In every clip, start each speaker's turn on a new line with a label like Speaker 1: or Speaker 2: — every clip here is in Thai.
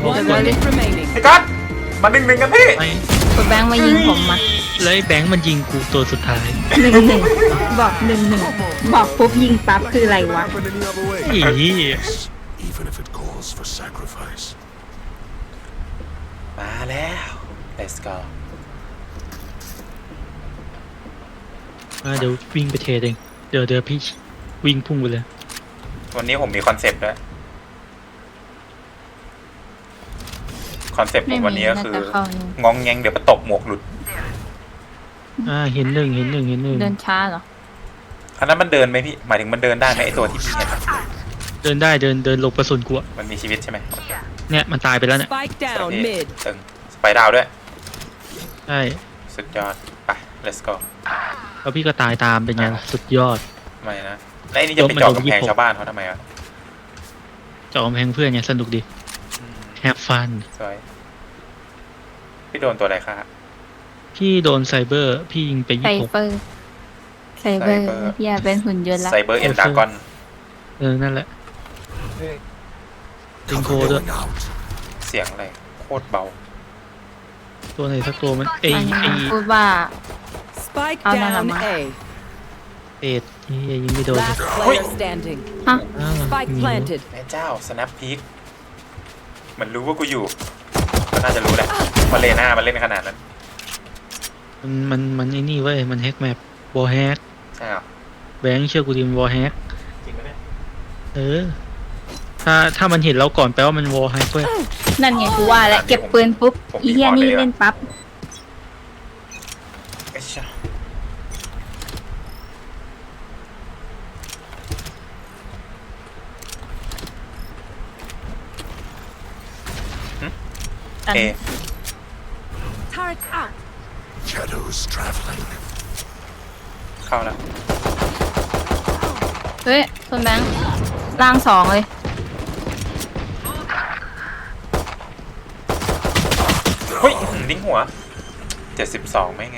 Speaker 1: One minute remaining.
Speaker 2: ไอ้ก๊อตมา1-1กันพี่
Speaker 3: ไม่
Speaker 4: คุณแบงค์มายิงผมมา
Speaker 3: แล้วไอ้แบงค์มันยิงกูตัวสุดท้าย
Speaker 4: 1-1บอก1-1บอกปุ๊บยิงปั๊บคืออะไรวะ
Speaker 5: Happen any other way.
Speaker 3: อี
Speaker 5: Even if it calls for sacrifice.
Speaker 2: มาแล้ว let's go
Speaker 3: มาเดี๋ยววิ่งไปเทเองเดี๋ยวพี่วิ่งพุ่งไปเลย
Speaker 2: วันนี้ผมมีคอนเซปต์ด้วยคอนเซปต์ผ
Speaker 4: ไม่
Speaker 2: ม
Speaker 4: มี
Speaker 2: วันนี้ก็
Speaker 4: น่า
Speaker 2: คือ
Speaker 4: จะเข้านี่
Speaker 2: งองแงงเดี๋ยวมาตบหมวกหลุด
Speaker 3: เห็นหนึ่ง
Speaker 4: เดินช้าเหรอ
Speaker 2: อันนั้นมันเดินไหมพี่หมายถึงมันเดินได้ไหมไอตัวที่พี่เห็นอะ
Speaker 3: เดินได้เดินหลบกระสุนกูอะ
Speaker 2: มันมีชีวิตใช่ไหม
Speaker 3: เนี่ยมันตายไปแล้วเนี่ย
Speaker 1: Spike
Speaker 2: โอ
Speaker 1: down
Speaker 2: เค
Speaker 1: mid.
Speaker 2: ตึงสไปดาวด้วย
Speaker 3: ใช่
Speaker 2: สุดยอดไป let's go
Speaker 3: แล้วพี่ก็ตายตามเป็นไงล่ะสุดยอด
Speaker 2: ทำไมนะแล้วไอ้นี่จะไปเจาะกำแพงชาวบ้านเขาทำไมอ่ะ
Speaker 3: จอมแพงเพื่อนไงสนุกดี have fun
Speaker 2: สวยพี่โดนตัวอะไรคะ
Speaker 3: พี่โดนไซเบอร์พี่ยิงไป
Speaker 4: ไซเบอร์อย่าเป็นหุ่นยนต์ละ
Speaker 2: ไซเบอร์เอ็นดากอน
Speaker 3: นั่นแหละติงโค
Speaker 5: Cover
Speaker 3: ด้วย
Speaker 5: going out.
Speaker 2: เสียงอะไรโคตรเบา
Speaker 3: ตัวไหนสักตัวมัน
Speaker 4: อันนี้พูดว่า
Speaker 1: Spike
Speaker 4: Oh, no,
Speaker 1: down
Speaker 4: no, no.
Speaker 1: A.
Speaker 3: เป็ดยิงไม่โดน
Speaker 1: Last player standing.
Speaker 4: ฮะ
Speaker 1: Spike planted.
Speaker 2: แม่เจ้า snap peek มันรู้ว่ากูอยู่ก็น่าจะรู้แหละว่าเลน่ามันเล่นขนาดนั้น
Speaker 3: มันไอ้นี่เว้ยมันแฮกแมปวอลแฮก
Speaker 2: ใช่หรอ
Speaker 3: แบงค์เชื่อกูดิมันวอลแฮก
Speaker 2: จริงไหมเนี่ย
Speaker 3: ถ้ามันเห็นเราก่อนแปลว่ามันวอลแฮกเว้ย
Speaker 4: นั่นไงกูว่าแล้วเก็บปืนปุ๊บอีเหี้ยนี่เล่นปั๊บ
Speaker 2: ไอ้เจ้าเอ
Speaker 1: Turret out.
Speaker 5: Shadows traveling.
Speaker 2: เข้าแล้ว
Speaker 4: เฮ้ยคุณแบงค์ล่าง2เลย
Speaker 2: เฮ้ยดิ้งหัว72ไม่ไง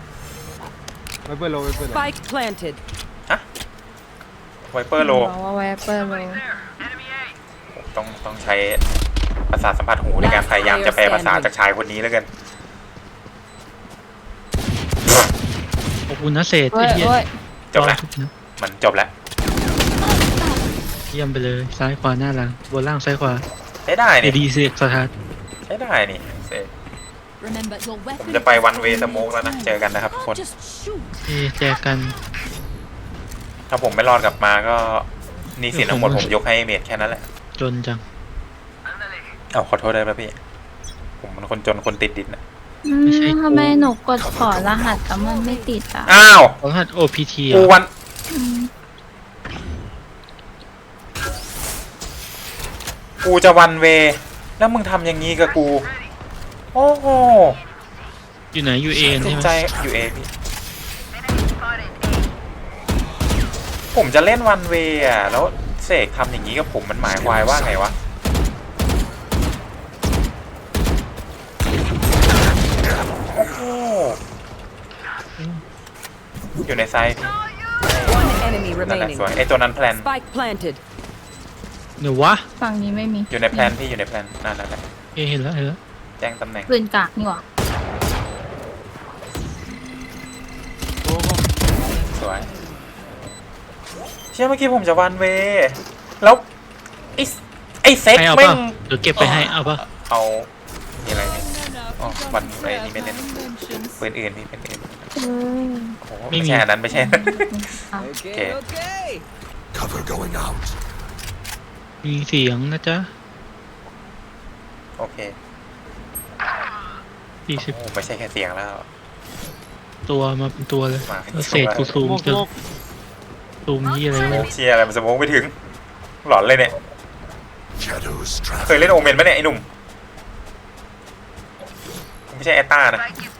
Speaker 1: Spike planted.
Speaker 2: ไวเปอร์โล
Speaker 4: บอกว่าแวปเปอร์โล
Speaker 2: ต้องใช้ประสาทสัมผัสหูในการพยายามจะแปลภาษาจากชายคนนี้แล้วกัน
Speaker 3: ขอบคุณนะเศษ
Speaker 4: เฮ้
Speaker 3: ไอ้
Speaker 4: ย
Speaker 3: เหี้ย
Speaker 4: เฮ้ย
Speaker 2: จบแล้ว มันจบแล้ว
Speaker 3: เยี่ยมไปเลยซ้ายขวาหน้าหลังบนล่างซ้ายขวา
Speaker 2: ใช้ได้
Speaker 3: เอ
Speaker 2: นี่
Speaker 3: ดีเสียกสถาน
Speaker 2: ใช้ได้นี่เสร็จ
Speaker 1: Remember your
Speaker 2: ผม
Speaker 1: weapon.
Speaker 2: จะไปวันเวสโมกแล้วนะ เจอกันนะครับทุกคน
Speaker 1: Just shoot.
Speaker 3: แจกกัน
Speaker 2: ถ้าผมไม่รอดกลับมาก็หนี่สินทั้งหมดผมยกให้เมดแค่นั้นแหละ
Speaker 3: จนจัง
Speaker 2: เอาขอโทษได้ไหมพี่ ผมเป็นคนจนคนติดดินนะ
Speaker 3: ไม่ใช่กู
Speaker 4: ทำไมหนูกดขอรหัสแล้วมันไม่ติดอ่ะ
Speaker 2: อ้าว
Speaker 3: รหัส OPT
Speaker 2: กูวันกูจะวันเว แล้วมึงทำอย่างนี้กับกู โอ้โห
Speaker 3: อยู่ไหนอยู่เอ
Speaker 2: เจ็
Speaker 3: ใช่
Speaker 2: บ
Speaker 3: ไหม
Speaker 2: ใจอยู่เอพี่ผมจะเล่นวันเวอ่ะแล้วเสกทำอย่างนี้กับผมมันหมายความว่าไงวะโอ้โหอยู่ในไซต์พี่
Speaker 1: One enemy
Speaker 2: นั่นแหละ
Speaker 1: remaining.
Speaker 2: สวยไอตัวนั้นแพลน
Speaker 1: Spike planted.
Speaker 3: เดี๋ยววะ
Speaker 4: ฝั่งนี้ไม่มี
Speaker 2: อยู่ในแพลนพี่อยู่ในแพลนนั่นแหละ
Speaker 3: เห็นแล้ว
Speaker 2: แจ้งตำแหน่ง
Speaker 4: ปืนกากนี่หว่า
Speaker 2: สวยเชื่อเมื่อกี้ผมจะวันเวแล้วไอเซ็ก
Speaker 3: ให้เอา
Speaker 2: แม่
Speaker 3: ป่ะ
Speaker 2: ง
Speaker 3: เดี๋ยวเก็บไปให้เอาป่ะ
Speaker 2: เอามีอะไรเนี่ยอ๋อวันอะไรนี่ไม่เล่นปืนอื่นพี่เป็นอื่นโอ้โหไม่ใช่อันนั้นไม่ใช่
Speaker 1: Okay, okay.
Speaker 5: Cover going out.
Speaker 3: มีเสียงนะจ๊ะ
Speaker 2: โอเค
Speaker 3: 40
Speaker 2: โอ้ไม่ใช่แค่เสียงแล้ว
Speaker 3: ตัวมาเป็นตัวเลย
Speaker 2: มาเป็นตัว
Speaker 3: แล้วเศษกูซูมจนซูมยี่อะไรวะ
Speaker 2: เชียอะไรมันสมองไม่ถึงหลอนเลยเนี่ย
Speaker 5: Shadows
Speaker 2: เคย
Speaker 5: traveling.
Speaker 2: เล่นโอเมนไหมเนี่ยไอ้หนุ่มไม่ใช่แอตตานะ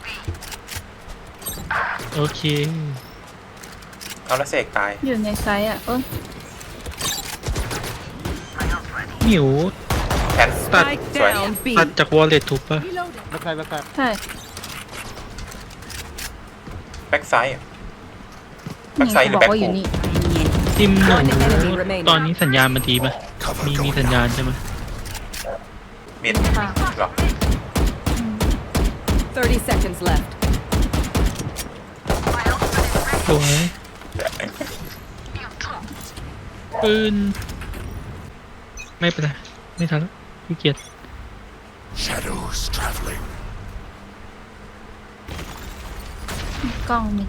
Speaker 3: โอเค
Speaker 2: เอาแล้วเสกตาย
Speaker 4: อยู่ในไซส์อ่ะเออ
Speaker 3: หมิว
Speaker 2: แพน
Speaker 1: Spike
Speaker 2: สวย
Speaker 1: down B.
Speaker 3: ตัดจากวอลเล็ตถูกป่ะ
Speaker 4: ใช่
Speaker 2: แบ็กไซด์แบ็กไซด์หรือ
Speaker 4: บอก
Speaker 2: แบ็ก
Speaker 4: ว่าอ
Speaker 2: ฟู
Speaker 4: ยู่นี่
Speaker 3: ซิมหนู
Speaker 1: One enemy remaining.
Speaker 3: ตอนนี้สัญญาณมันดีป่ะ
Speaker 5: Cover
Speaker 3: มี
Speaker 5: going
Speaker 3: สัญญาณ
Speaker 5: out.
Speaker 3: ใช่ไหม
Speaker 2: มมิด
Speaker 4: ค่ะ
Speaker 2: หรอ
Speaker 1: 30 seconds left.
Speaker 3: สวยปืนไม่เป็นไรไม่ทันแล้วขี้เกียจ
Speaker 5: Shadows traveling.
Speaker 4: กล้องมิด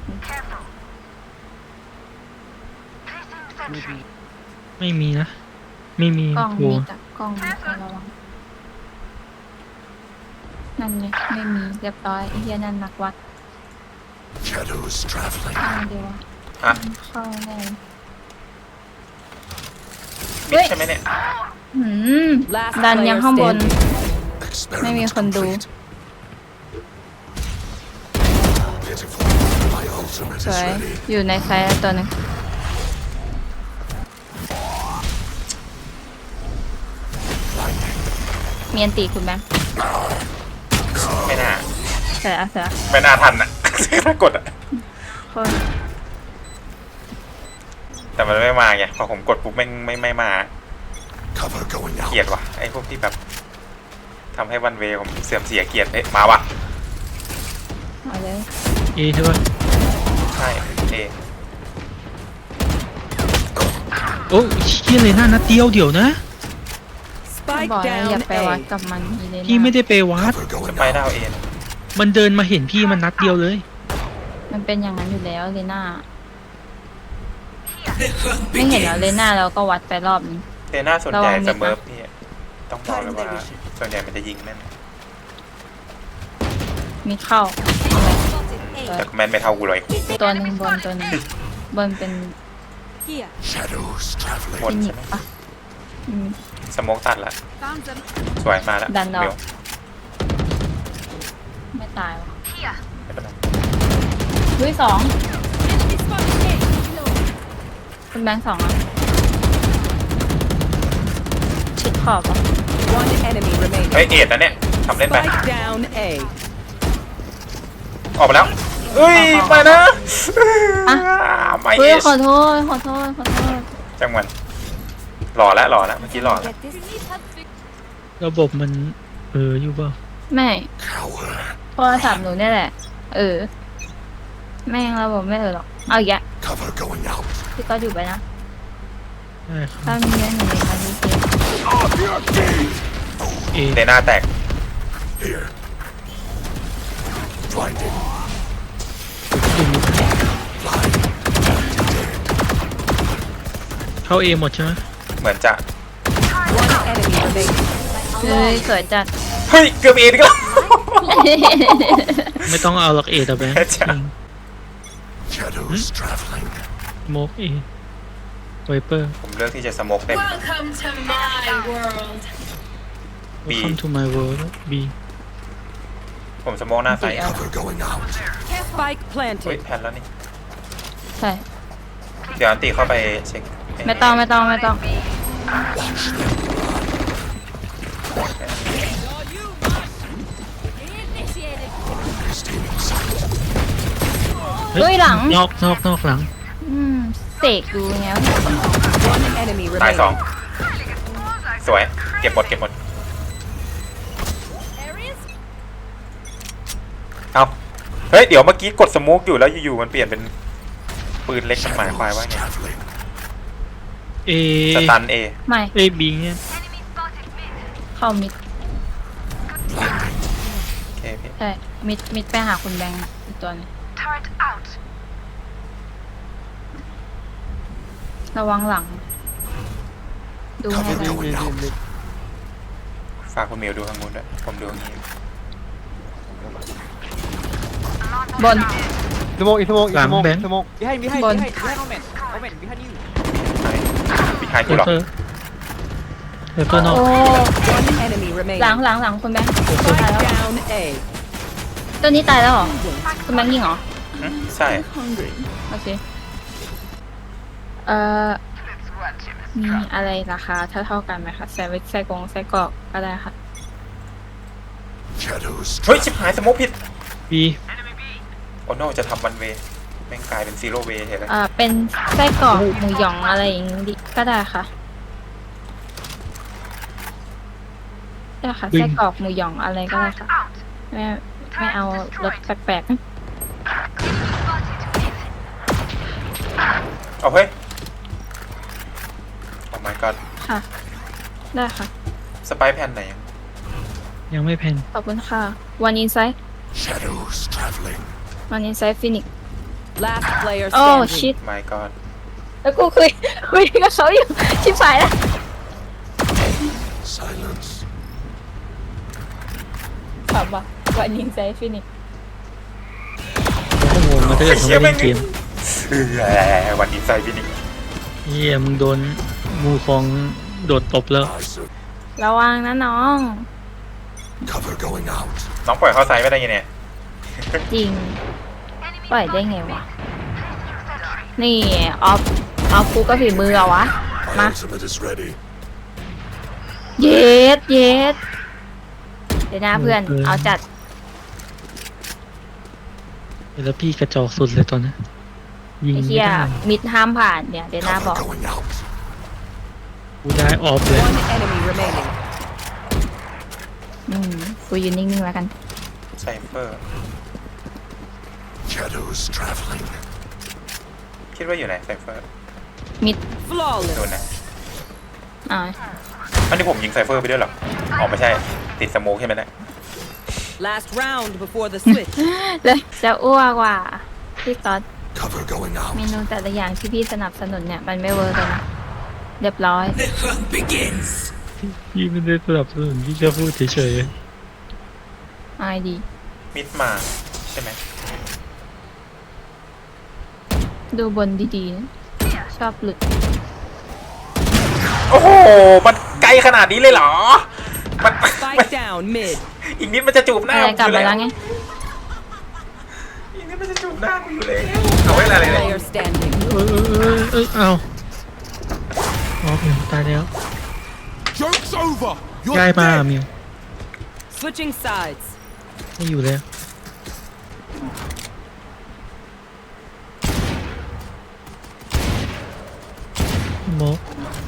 Speaker 3: ไม่มีนะ ไม่มี
Speaker 4: กล้อง
Speaker 3: โว
Speaker 4: มิดอะกล้องมิดระวังนั่นไงไม่มีเรียบร้อยไอ้เหี้ยนั่นนักวัด
Speaker 5: Shadows traveling.
Speaker 4: เข้าเดียวอะ
Speaker 2: อ่ะ
Speaker 4: เข้าแน่
Speaker 2: มิดใช่ไหมเนี่ย
Speaker 4: หืม
Speaker 1: Last
Speaker 4: ดัน
Speaker 1: player
Speaker 4: ยังข้างบน
Speaker 5: Experiment
Speaker 4: Maybe I can do.
Speaker 5: complete. Pitiful. My ultimate
Speaker 4: ส
Speaker 5: is
Speaker 4: วย
Speaker 5: ready.
Speaker 4: อยู่ในไซส์ตัวหนึง
Speaker 5: Blinding.
Speaker 4: มีอันตีคุณแบงค์
Speaker 2: ไม่น่า
Speaker 4: เสือ
Speaker 2: ไม่น่าทันอ่ะ ถ้ากดอ่ะ
Speaker 4: โคน
Speaker 2: แต่มันไม่มาไงพอผมกดปุ๊บไม่มา
Speaker 5: Cover going
Speaker 2: เกลียด
Speaker 5: out.
Speaker 2: ว่ะไอ้พวกที่แบบทำให้วันเวผมเสื่อมเสียเกียรติเอ๊ะมาว่ะ
Speaker 4: เอาเลย
Speaker 3: เอใช่ปะ
Speaker 2: ใช่เอ
Speaker 3: โอ้เชี่ยเลยหน้านัดเดียวเดี๋ยวนะ
Speaker 1: Spike
Speaker 4: บอกแล้วอย่า
Speaker 1: down
Speaker 4: ไปวัด
Speaker 1: A.
Speaker 4: กับมันอีเลน่า
Speaker 3: พี่ไม่ได้ไปวัด
Speaker 5: Cover
Speaker 2: จะ
Speaker 5: going
Speaker 2: ไป
Speaker 5: out.
Speaker 2: ดาวเอ
Speaker 3: มันเดินมาเห็นพี่มันนัดเดียวเลย
Speaker 4: มันเป็นอย่างนั้นอยู่แล้วเลน่าไม่เห็นแล้วเลน่าเราก็วัดไปรอบนึง
Speaker 2: เตน่าส่วนใหญ่
Speaker 4: ระวังมิดนะ
Speaker 2: เสมอพี่ต้องบอกเลยว่าส่วนใหญ่มันจะยิงแม่น
Speaker 4: มีเข้า
Speaker 2: แต่แม่นไม่เท่ากูเลย
Speaker 4: ตัวหนึ่งบนตัวหนึ่งบนเป็น
Speaker 1: Here.
Speaker 5: Shadows
Speaker 2: หม
Speaker 5: traveling.
Speaker 2: ด
Speaker 4: มิ
Speaker 2: ใช่
Speaker 4: ด
Speaker 2: ไหม
Speaker 4: ปะอืม
Speaker 2: สโมกตัดละ
Speaker 1: Found them.
Speaker 2: สวยมาแล้ว
Speaker 4: ดันออก
Speaker 2: เร็ว
Speaker 4: ไม่ตายวะ
Speaker 2: ไม่เป็นไร
Speaker 4: ด้วยสอง
Speaker 1: Enemy spotted A.
Speaker 4: คุณแบงค์สองอ่ะชิดขอบอ่ะ
Speaker 1: One enemy
Speaker 2: เฮ้ย
Speaker 1: remaining.
Speaker 2: เอ็ดนะเนี่ยทำเล่นไป
Speaker 1: Spike down A.
Speaker 2: ออกมาแล้วเอ้ยไปนะไม่
Speaker 4: เฮ้
Speaker 2: เอย ช
Speaker 4: ขอโทษ
Speaker 2: จังหวะหล่อแล้วเมื่อกี้หล่อแล้ว
Speaker 3: ระบบมันอยู่เปล่า
Speaker 4: ไม่
Speaker 5: Cower.
Speaker 4: โทรศัพท์หนูเนี่ยแหละ แม่งระบบไม่หรอกเอาอีกแยะ
Speaker 5: Cover going out.
Speaker 4: พี่ก็อยู่ไปนะ
Speaker 3: ได้ครับ
Speaker 4: ถ้ามีเรื่องอยู่ในการดีเกม
Speaker 3: เอ
Speaker 2: เตน่าแตก
Speaker 5: Here. Blinding.
Speaker 3: เข้าเอหมดใช่ไหม
Speaker 2: เหมือนจะ
Speaker 1: One enemy remaining.
Speaker 4: เฮ้ยสวยจัด
Speaker 2: เฮ้ยเกือบเอ็ดก็
Speaker 3: ไม่ต้องเอาหลักเอแต่แบงค์
Speaker 2: ใช่
Speaker 5: Shadows traveling.
Speaker 3: โมกเอไวเปอร์
Speaker 2: ผมเลือกที่จะสโมกเต็ม
Speaker 1: Welcome to my world.
Speaker 2: B
Speaker 3: Welcome to my world B
Speaker 2: ผมสโมกหน้าใส
Speaker 5: Cover going out.
Speaker 1: Spike
Speaker 2: เฮ้ย
Speaker 1: planted.
Speaker 2: แพนแล้วนี่
Speaker 4: ใช่
Speaker 2: เดี๋ยวอันตีเข้าไปเช็ค
Speaker 4: ไม่ต้อง
Speaker 5: Watch them. Steaming sight.
Speaker 4: เฮ้ยหลัง
Speaker 3: นอกหลัง
Speaker 4: เสกดูไงวะ
Speaker 1: One enemy
Speaker 2: ตายสอง
Speaker 1: remaining.
Speaker 2: สวย เก็บหมดเอาเฮ้ย เดี๋ยวเมื่อกี้กดสโมกอยู่แล้วอยู่ๆมันเปลี่ยนเป็นปืนเล็กมันหมายความว่า
Speaker 5: Shadows
Speaker 2: ไง
Speaker 5: traveling.
Speaker 3: เอ
Speaker 2: สตันเอ
Speaker 4: ไม่
Speaker 3: เอบีเนี่ย
Speaker 4: เข้ามิด
Speaker 5: Blinding.
Speaker 2: โอเคพี่
Speaker 4: ใช่ มิดไปหาคุณแบงค์อีกตัวหนึงระวังหลัง ดูให้
Speaker 5: Cover
Speaker 4: ได้
Speaker 5: going out.
Speaker 2: ฝากคุณมิวดูทางนู้นด้วยผมดูอย่างนี้
Speaker 4: บน
Speaker 6: Smoke, smoke,
Speaker 3: หลัง
Speaker 6: smoke,
Speaker 3: แบงค์
Speaker 6: smoke. Behind, behind,
Speaker 4: Bon.
Speaker 6: behind, omen, omen, behind you.
Speaker 2: พี่ชาย
Speaker 3: ไว
Speaker 2: กูหรอ
Speaker 3: เปอร์ไวเปอร์นอก
Speaker 4: โอ้
Speaker 1: One enemy
Speaker 4: หลัง
Speaker 1: remaining.
Speaker 4: หลังคุณแบงค์ตาย
Speaker 1: Spike
Speaker 4: แล้ว
Speaker 1: down A.
Speaker 4: ตัวนี้ตายแล้วเหรอ คุณแบงค์ยิงเหรอ
Speaker 2: ใช่
Speaker 4: โอเค มีอะไรราคาเท่ากันไหมคะแซนด์วิชไส้กรอกก็ได้ค่ะ
Speaker 5: Shadows
Speaker 2: เฮ้ย ชิบ
Speaker 5: traveling.
Speaker 2: หายสโมกผิด
Speaker 3: บี
Speaker 2: โอ้โนจะทำวันเวแม่งกลายเป็นซีโร่เวเห็นไหม
Speaker 4: เป็นไส้กรอกหมูหยองอะไรอย่างนี้ก็ได้ค่ะได้ค่ะ
Speaker 3: วิ่ง
Speaker 4: ไส้กรอกหมูหยองอะไรก็ได้ค่ะไม่เอารสแปลก
Speaker 2: เอาเฮ้ยโอ้ my god
Speaker 4: ๆค่ะ ได้ค่ะ
Speaker 2: สไปแผ่นไหน
Speaker 3: ยังไม่แพน
Speaker 4: ขอบคุณค่ะวันอินไซด์
Speaker 5: Shadows traveling.
Speaker 4: วันอินไซด์ฟินิก
Speaker 1: Last player
Speaker 4: โอ้
Speaker 1: standing.
Speaker 4: ชิต
Speaker 2: my god
Speaker 4: แล้วกูคุยกับเขาอยู่ ชิบหายแล้ว
Speaker 5: Silence.
Speaker 4: ถามว่าวันอินไซด์ฟินิก
Speaker 3: เขาก็งงมาถ้าเกิดเขาไม่เล่นเกม
Speaker 2: วันนี้ใส่พี่นิก
Speaker 3: เฮียมึงโดนงูฟองโดดตบแล้ว
Speaker 5: I sur-
Speaker 4: ระวังนะน้อง
Speaker 5: Cover going out.
Speaker 2: น้องปล่อยเข้าไซส์ไม่ได้ยังเนี่ย
Speaker 4: จริง ปล่อยได้ไงวะ นี่ออฟกูก็ฝีมือเอาวะ
Speaker 5: My
Speaker 4: Ma.
Speaker 5: ultimate is ready.
Speaker 4: เย็ดเดี๋ยวนะเพื่อน เอาจัด
Speaker 3: แล้วพี่กระจอกสุดเลยตอนนี้ยิง
Speaker 4: ไอ้
Speaker 3: ไม่
Speaker 4: เหี้ย
Speaker 3: ได้
Speaker 4: มิดห้ามผ่านเนี่ยเดี๋ยวนาบ
Speaker 5: Cover
Speaker 4: อก
Speaker 5: going out.
Speaker 3: กูได้ออฟเลย
Speaker 1: One enemy remaining.
Speaker 4: กูยืนนิ่งๆแล้วกัน
Speaker 2: ไซเฟอร์
Speaker 5: Shadows traveling.
Speaker 2: คิดว่าอยู่ไหนไซเฟอร์
Speaker 4: มิด
Speaker 1: Flawless.
Speaker 2: โดนนะ
Speaker 4: อ่า
Speaker 2: อันนี้ผมยิงไซเฟอร์ไปด้วยเหรออ๋อไม่ใช่ติดสโมกใช่ไหมเนะ
Speaker 1: Last round before the switch.
Speaker 4: เลยจะอ้วกว่ะพี่ต๊อด
Speaker 5: Cover going
Speaker 4: เม
Speaker 5: out.
Speaker 4: นูแต่ละอย่างที่พี่สนับสนุนเนี่ย มันไม่เวิร์กเลยนะ เรียบร้อย
Speaker 3: พี่ไม่ได้สนับสนุนพี่แค่พูดเฉย
Speaker 4: อายดี
Speaker 2: มิดมาใช่ไหม
Speaker 4: ดูบนดีๆนะชอบหลุด
Speaker 2: โอ้โหมันไกลขนาดนี้เลยเหรอมัน
Speaker 1: Spike down mid.
Speaker 2: อีกนิดมันจะจูบหน้า
Speaker 4: อะไร
Speaker 2: กู
Speaker 4: กลับ
Speaker 2: อยู่
Speaker 4: มา
Speaker 2: แล้
Speaker 4: แล้ว วไง
Speaker 2: อีกนิดมันจะจูบหน้ากูอยู่เลยเอาไว้อะไรเนี่ย
Speaker 1: Player standing.
Speaker 3: เอาออฟเลยตายแล้ว
Speaker 5: Joke's over. You're
Speaker 3: ย้ายมา
Speaker 5: dead.
Speaker 3: มิว
Speaker 1: Switching sides.
Speaker 3: ไม่อยู่แล้วโมก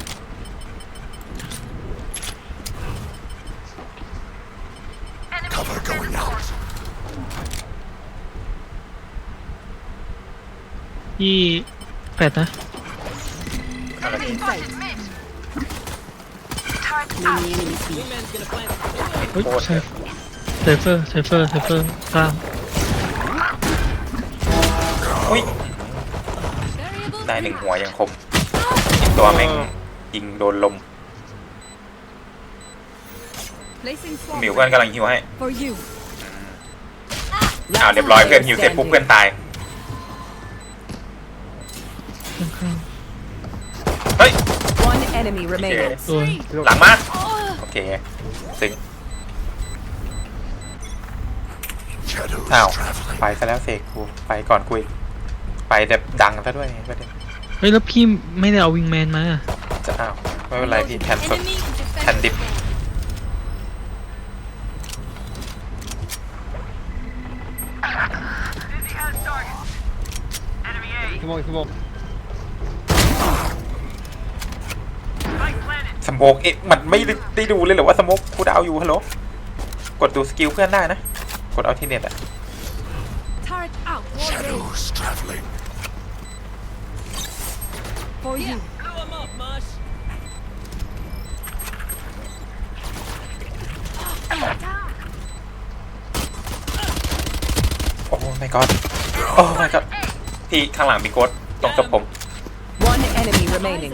Speaker 5: Cover going out.
Speaker 3: พี่แปดนะ
Speaker 2: อะไร
Speaker 1: Many enemies here.
Speaker 3: เฮ้ยไซเฟอร์ข้าม
Speaker 2: อุ้ยได้หนึ่งหัวยังคมอีกตัวแม่งยิงโดนลม
Speaker 1: Placing
Speaker 2: หมิวเพื่อนกำลังฮิวให้
Speaker 1: for you.
Speaker 2: อ้าวเรียบร้อยเพื่อนฮิวเสร็จปุ๊บเพื่อนตาย
Speaker 3: ข้าง
Speaker 2: เฮ้ย
Speaker 1: One enemy remaining.
Speaker 3: ๆตัว
Speaker 2: หลังมาโอเคซึ้ง
Speaker 5: Shadows
Speaker 2: อ้าว
Speaker 5: traveling.
Speaker 2: ไปซะแล้วเสกกูไปก่อนกูอีกไปแบบดังซะด้วยประเด็น
Speaker 3: เฮ้ยแล้วพี่ไม่ได้เอาวิงแมนมา
Speaker 2: จะอ้าวไม่เป็นไรพี่แทนสดแทนดิบ
Speaker 6: สโมกสโมก
Speaker 2: สโมกเอ๊ะมันไม่ได้ดูเลยเหรอว่าสโมกกูดาวอยู่ฮัลโหลกดดูสกิลเพื่อนได้นะกดเอาที่เน็ตอะ
Speaker 1: Turret out.
Speaker 5: Shadows traveling.
Speaker 1: For you.
Speaker 2: โอ้ my god โอ้ my god พี่ข้างหลังมีโค้ดตรงศพผม
Speaker 1: One enemy remaining.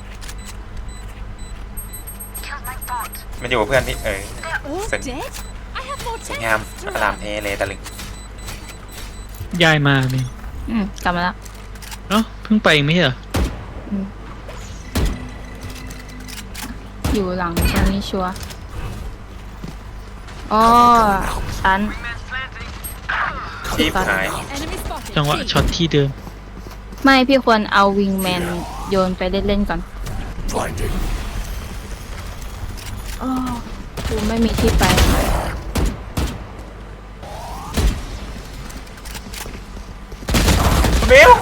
Speaker 2: มันอยู่กับเพื่อนพี่สวย
Speaker 1: Dead? I have more
Speaker 2: สวยงามอลามเทเลยตะลึง
Speaker 3: ย้ายมามิว
Speaker 4: กลับมาแล้ว
Speaker 3: เอ้าเพิ่งไปเองไม่ใช่เหรอ
Speaker 4: อยู่หลังตรงนี้ชัวร์อ๋อตัน
Speaker 2: ทีมหาย
Speaker 1: enemy spotted.
Speaker 3: จังหวะช็อตที่เดิม
Speaker 4: ไม่พี่ควรเอาวิงแมนโยนไปเล่นๆก่อน
Speaker 5: Blinding.
Speaker 4: อ๋อกูไม่มีที่ไป
Speaker 2: เบล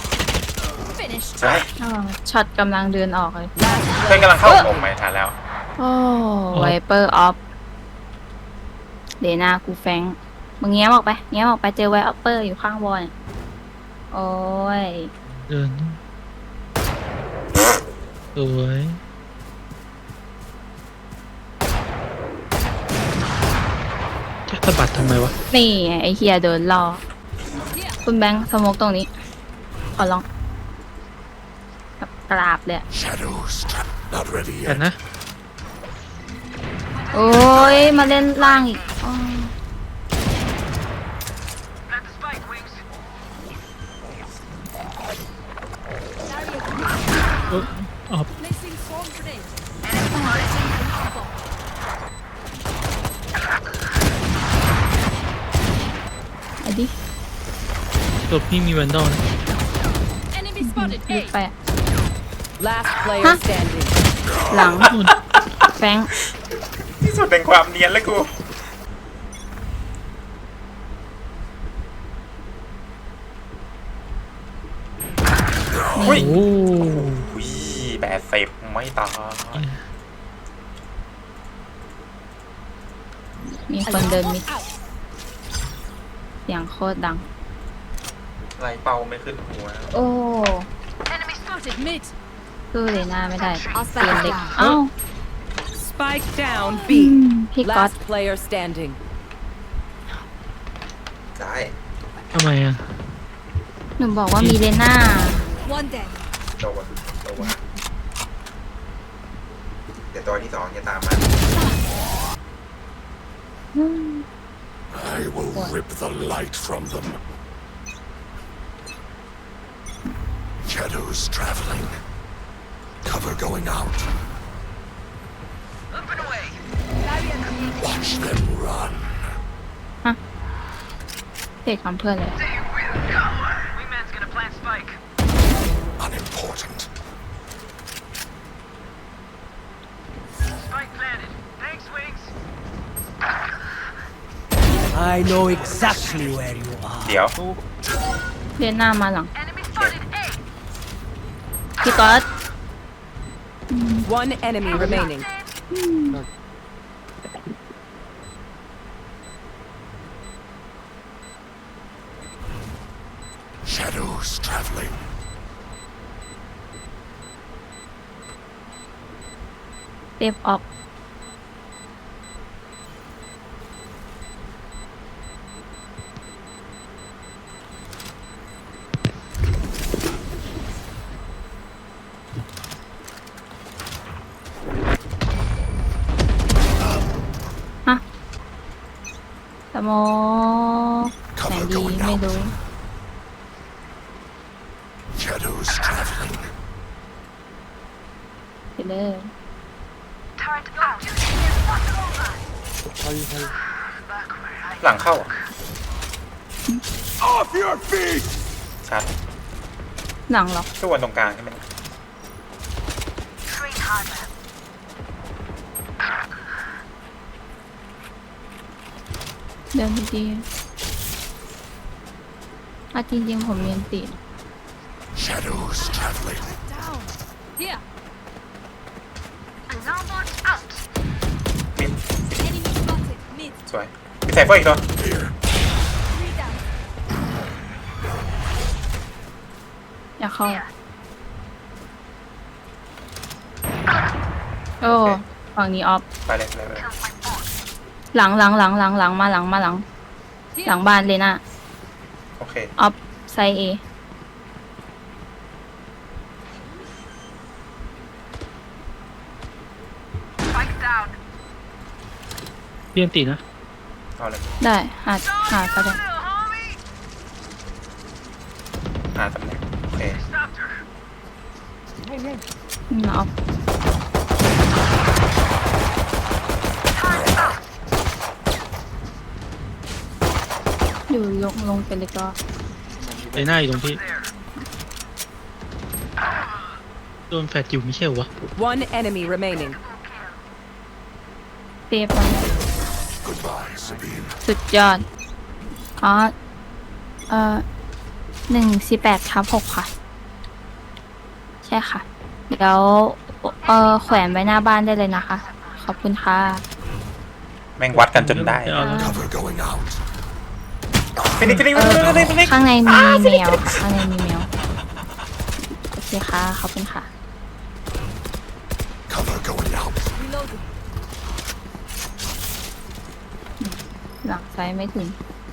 Speaker 2: สวย
Speaker 4: อ๋อช็อตกำลังเดินออกเลย
Speaker 2: เพื่อนกำลังเข้าผมไม่ทันแล้ว
Speaker 4: โอ้ไวเปอร์ออฟเดน่ากูแฟงมึงแง้มออกไปแง้มออกไปเจอไวเปอร์อยู่ข้างบนโอ้ย
Speaker 3: เดินสวยจะสะบัดทำไมวะ
Speaker 4: นี่ไงไอเฮียเดินรอคุณแบงค์สโมกตรงนี้ ขอลองแบบกราบเลยอะ
Speaker 5: Shadows. Not ready
Speaker 3: กัน
Speaker 5: yet.
Speaker 3: นะ
Speaker 4: โอ้ยมาเล่นล่างอีกอ้อ
Speaker 3: ออฟ
Speaker 1: Placing swarm grenade.
Speaker 4: ไอ้ดิ
Speaker 3: ตัวพี่มีแวนดอลนะ
Speaker 1: Enemy spotted.
Speaker 4: ลึก
Speaker 1: A.
Speaker 4: ไปอะ
Speaker 1: Last player
Speaker 4: Huh?
Speaker 1: standing.
Speaker 4: หลัง
Speaker 3: นู่น
Speaker 4: แฟง
Speaker 2: ที่สุดแห่งความเนียนแล้วกู อุ้ย
Speaker 3: โอ้
Speaker 2: อุ้ย80ไม่ตาย
Speaker 4: มีคนเดินมิดเสียงโคตรดัง
Speaker 2: ไรเป้าไม่ขึ้นหัว
Speaker 4: โอ้
Speaker 1: Enemy spotted mid.
Speaker 4: สู้เลยหน้าไม่ได้
Speaker 1: I'll
Speaker 4: เตียน
Speaker 1: spike
Speaker 4: เล็ก
Speaker 1: down.
Speaker 4: เอ้า
Speaker 1: Spike down
Speaker 4: อื
Speaker 1: B.
Speaker 4: มพี่ก๊อต
Speaker 1: Last player standing.
Speaker 2: ได้
Speaker 3: ทำไมอ่ะ
Speaker 4: หนูบอกว่ามีเลน่า
Speaker 1: One dead.
Speaker 2: โดนเดี๋ยวตัวที่2จะตามมา
Speaker 5: I will rip the light from them. Shadows traveling. Cover going out. Watch them run.
Speaker 4: เด็กทำเพื่อนเลย
Speaker 5: Unimportant.
Speaker 6: I know exactly where you are.
Speaker 2: เดี๋ยว
Speaker 4: เลน่ามาหลัง พี่ก๊อต
Speaker 1: One enemy remaining.
Speaker 5: Shadows traveling.
Speaker 4: เซฟออก ฮะสโมไหน
Speaker 5: Cover
Speaker 4: ดี
Speaker 5: going
Speaker 4: ไม่
Speaker 5: out.
Speaker 4: รู้
Speaker 5: Shadows traveling.
Speaker 4: ไปเลย
Speaker 2: หลังเข้าอ่ะ
Speaker 5: Off your feet!
Speaker 2: ชัด
Speaker 4: หลังเหรอ
Speaker 2: ส่วนตรงกลางใช่ไหม
Speaker 4: เดินดีๆจริงๆผมเรียนติด
Speaker 5: Shadows traveling.
Speaker 1: Down. Here.
Speaker 2: มิด
Speaker 1: Enemy spotted mid.
Speaker 2: สวยมีใส่เฟอร์อีกตัว
Speaker 5: Here.
Speaker 1: 3 down.
Speaker 4: อย่าเข้า โอ้ ฝั่งนี้ออฟ
Speaker 2: ไปเลยไปเลย
Speaker 4: หลังมาหลังหลังบ้านเลยนะ
Speaker 2: โอเค
Speaker 4: ออฟไซเอ
Speaker 3: เรียนตีนะ
Speaker 2: เอาเลย
Speaker 4: ได้หาก็ได้
Speaker 2: หาตำแหน่งโอเค
Speaker 4: ออฟอยู่ลงไปเลยก็
Speaker 3: ไอ้หน้าอยู่ตรงพี่ โดนแฟดอยู่ไม่ใช่เหรอวะ
Speaker 1: One enemy remaining.
Speaker 4: เซฟมัน
Speaker 5: Goodbye, Sabine.
Speaker 4: สุดยอด อ๋อ 148/6 ค่ะ ใช่ค่ะ เดี๋ยวแขวนไว้หน้าบ้านได้เลยนะคะขอบคุณค่ะ
Speaker 2: แม่งวัดกันจนได้
Speaker 3: เอาแล้ว
Speaker 5: Cover going out.
Speaker 2: ฟินิกฟินิก
Speaker 4: เอ
Speaker 2: ฟินิกฟินิกฟินิ
Speaker 4: อก ข้างในมีแมวค่ะข้างในมีแมวโอเคค่ะขอบคุณค่ะ
Speaker 5: Cover going out.
Speaker 1: Reloading.
Speaker 4: หลังซ้ายไม่ถึง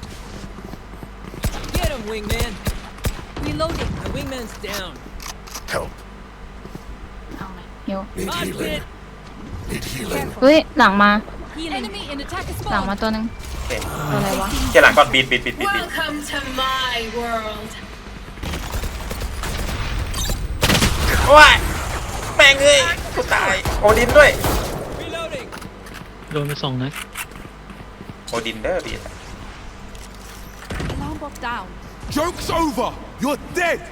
Speaker 6: Get him, wingman.
Speaker 1: Reloading.
Speaker 6: The wingman's down.
Speaker 5: Help.
Speaker 4: เอาไหมเฮียว
Speaker 5: Need
Speaker 6: Mosh
Speaker 5: healing.
Speaker 6: pit.
Speaker 5: Need healing.
Speaker 4: เฮ้ยหลังมา
Speaker 1: Healing. Enemy in attacker
Speaker 4: หลัง
Speaker 1: spawn.
Speaker 4: มาตัวหนึง
Speaker 2: โอเค
Speaker 4: ตัวอะไรวะ
Speaker 2: เกี่ยหลังก่อนบีด
Speaker 7: Welcome to my world.
Speaker 2: ว้ายแม่งเอ้ยกูตายโอดินด้วย
Speaker 6: Reloading.
Speaker 3: โดนไป2 นัด
Speaker 2: โอดินเด้อบีด
Speaker 1: Alarm bot down.
Speaker 5: Joke's over. You're dead.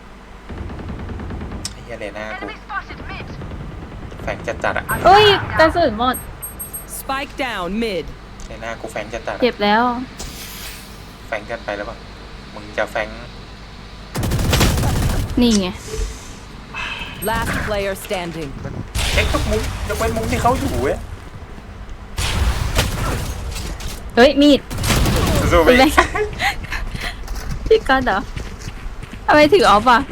Speaker 2: ไอ้เฮียเลน่ากูแฝงจัดๆอะ
Speaker 4: เอ้ยกระสุนหมด
Speaker 6: Spike down mid.
Speaker 2: เลน่ากูแฝงจัดๆ
Speaker 4: เจ็
Speaker 2: อะ
Speaker 4: บแล้ว
Speaker 2: แฝงกันไปแล้วป่ะมึงจะแฝง
Speaker 4: นี่ไง
Speaker 6: Last player standing.
Speaker 2: เช็คทุกมุมยกเว้นมุมที่เขาอยู่เว้ย
Speaker 4: เฮ้ยมีด
Speaker 2: สู้ๆไป
Speaker 4: คุณแม่ พี่ก๊อตเหรอทำไมถือออฟอ่ะ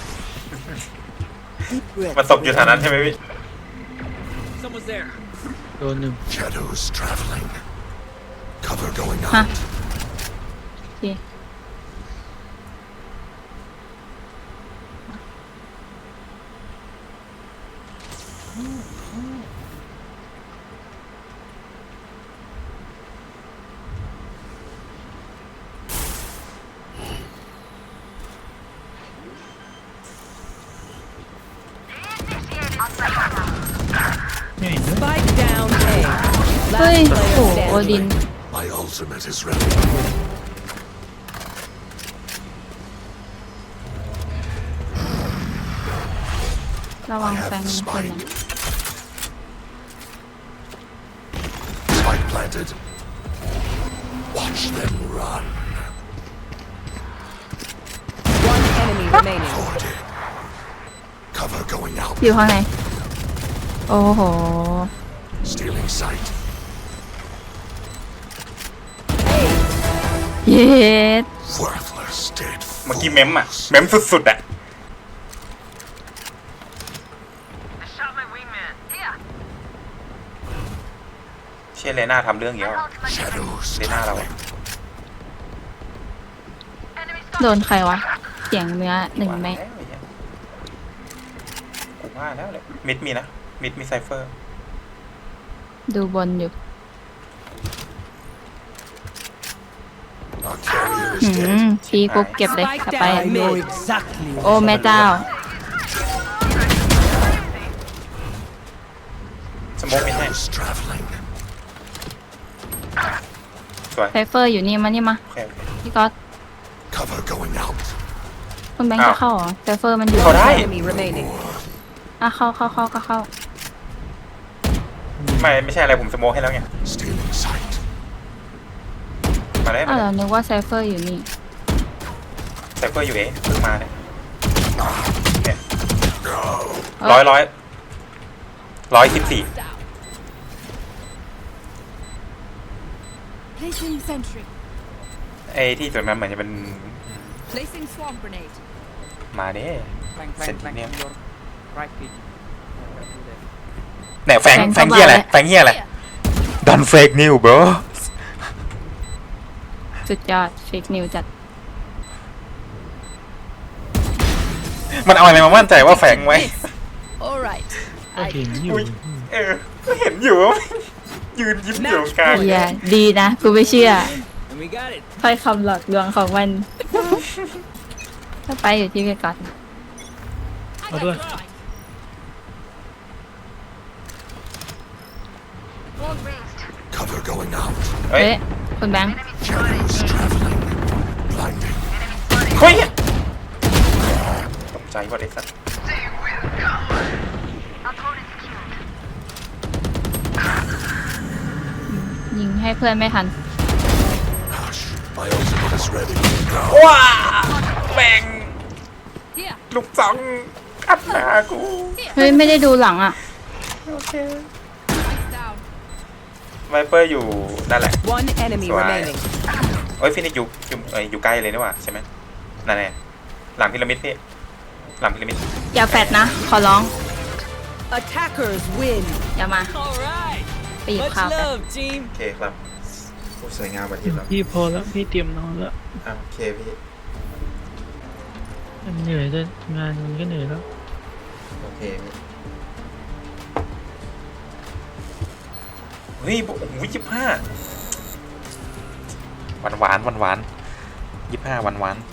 Speaker 2: มันศพอยู่แถวนั้นใช่ไหมพี่
Speaker 6: Someone's there.
Speaker 3: โดน1
Speaker 5: Shadows traveling. Cover going
Speaker 4: ฮะ
Speaker 5: out.
Speaker 4: โอเค
Speaker 3: ไม่เห็นด้วย
Speaker 6: Spike down A.
Speaker 4: เฮ้ย
Speaker 6: Last
Speaker 4: โอ้
Speaker 6: player
Speaker 4: โหโอดิน
Speaker 6: standing.
Speaker 5: My ultimate is ready.
Speaker 4: ระวั
Speaker 5: I
Speaker 4: งแฟ
Speaker 5: have
Speaker 4: น
Speaker 5: the
Speaker 4: คนนะ
Speaker 5: spike. Spike planted. Watch them run.
Speaker 6: One enemy remaining.
Speaker 5: 40. Cover going out.
Speaker 4: อยู่ข้างใน โอ้โห
Speaker 5: Stealing sight.
Speaker 4: เย็ด
Speaker 5: Worthless dead
Speaker 2: เมื่อกี้เมมอะ
Speaker 5: fools.
Speaker 2: เมมสุดๆอะเชี่ยเลน่าทำเรื่องเยอะ
Speaker 5: Shadows
Speaker 2: เลน่าเราอะ
Speaker 4: โดนใครวะ เสียงเนื้อหนึ่งไหม
Speaker 2: ว่าแล้วไอ้เหี้ยกูว่าแล้วเลยมิดมีนะมิดมีไซเฟอร์
Speaker 4: ดูบนอยู่
Speaker 5: Our carrier
Speaker 4: หื
Speaker 5: is
Speaker 4: ม
Speaker 5: dead.
Speaker 4: ชี้ปุ๊บเก็บเลยกลับไป
Speaker 6: I I know know exactly.
Speaker 4: โอ้แม่เจ้า
Speaker 2: สโมกมิดให้
Speaker 5: Shadows traveling.
Speaker 2: สวย
Speaker 4: ไซเฟอร์อยู่นี่มานี่มา
Speaker 2: โอเคโอเค
Speaker 4: พี่ก๊อต
Speaker 5: Cover going out.
Speaker 4: คุณแบงค์จะเข้าเหรอไซเฟอร์มันอยู่
Speaker 2: เข้าได้
Speaker 6: Enemy remaining.
Speaker 4: อ่ะเข้าก็เข้า
Speaker 2: ไม่ใช่อะไรผมสโมกให้แล้วไง
Speaker 5: Stealing sight.
Speaker 2: มาได้
Speaker 4: อ้าวเรานึกว่าไซเฟอร์อยู่นี่
Speaker 2: ไซเฟอร์อยู่เองเพิ่งมาเนี่ยเนี่ย
Speaker 4: เอ้ย
Speaker 2: 114
Speaker 1: Down. Placing sentry.
Speaker 2: ไอ้ที่ตรงนั้นเหมือนจะเป็น
Speaker 1: Placing swarm grenade.
Speaker 2: มาเด้
Speaker 8: Bang,
Speaker 2: Send
Speaker 8: bang, bang
Speaker 2: him.
Speaker 8: on your right click.
Speaker 2: เนี่ยแฟง
Speaker 4: แฟง
Speaker 2: เฮียอะไร
Speaker 4: เข้ามาแล้ว
Speaker 2: แฟงเฮียอะไร Don't fake news bro
Speaker 4: สุดยอดเฟกนิวจัด
Speaker 2: มันเอาอะไรมามั่นใจว่าแฟงไว้
Speaker 1: All right.
Speaker 3: ก็เห็นอยู่
Speaker 2: อุ๊ย เออเห็นอยู่ว่ายืนยิ้มอยู่กลาง
Speaker 4: เฮียดีนะ กูไม่เชื่อ
Speaker 6: And we got it.
Speaker 4: ถ้อยคำหลอกลวงของมัน ถ้าไปอยู่ที่เวกัส
Speaker 1: I
Speaker 3: Oh,
Speaker 1: got
Speaker 3: do I?
Speaker 1: the spike. Wall raised.
Speaker 5: Cover going out.
Speaker 2: เฮ้ย
Speaker 4: เฮ้ย คุณแบงค์
Speaker 5: Shadows traveling. Blinding.
Speaker 2: เฮ้ยตกใจว่าเด็กสัตว์
Speaker 4: ยิงให้เพื่อนไม่ทัน
Speaker 5: Hush. My ultimate is ready.
Speaker 2: ว้าแม่ง
Speaker 1: Here.
Speaker 2: ลูกสองอัดหน้ากู
Speaker 4: เฮ้ย ไม่ได้ดูหลังอ่ะ
Speaker 2: โอเค
Speaker 1: Spike down.
Speaker 2: ไวเปอร์อยู่นั่นแหละ
Speaker 6: One enemy
Speaker 2: Right.
Speaker 6: remaining.
Speaker 2: เอ้ยฟินิกอยู่ใกล้เลยนี่หว่าใช่ไหมนั่นแหละหลังพีระมิดพี่หลังพีระมิด
Speaker 4: อย่าแฟดนะ ขอร้อง
Speaker 6: Attackers win.
Speaker 4: อย่ามา
Speaker 6: All right.
Speaker 4: ไปหยิบข้าวกัน
Speaker 6: team.
Speaker 2: โอเคครับโอ้สวยงามวันที่แล้ว
Speaker 3: พี่พอแล้วพี่เตรียมนอนแล้ว
Speaker 2: โอเคพี่
Speaker 3: มันเหนื่อยด้วยงานมันก็เหนื่อยแล้ว
Speaker 2: โอเคพี่เฮ้ยโอ้โห25หวาน25 หวาน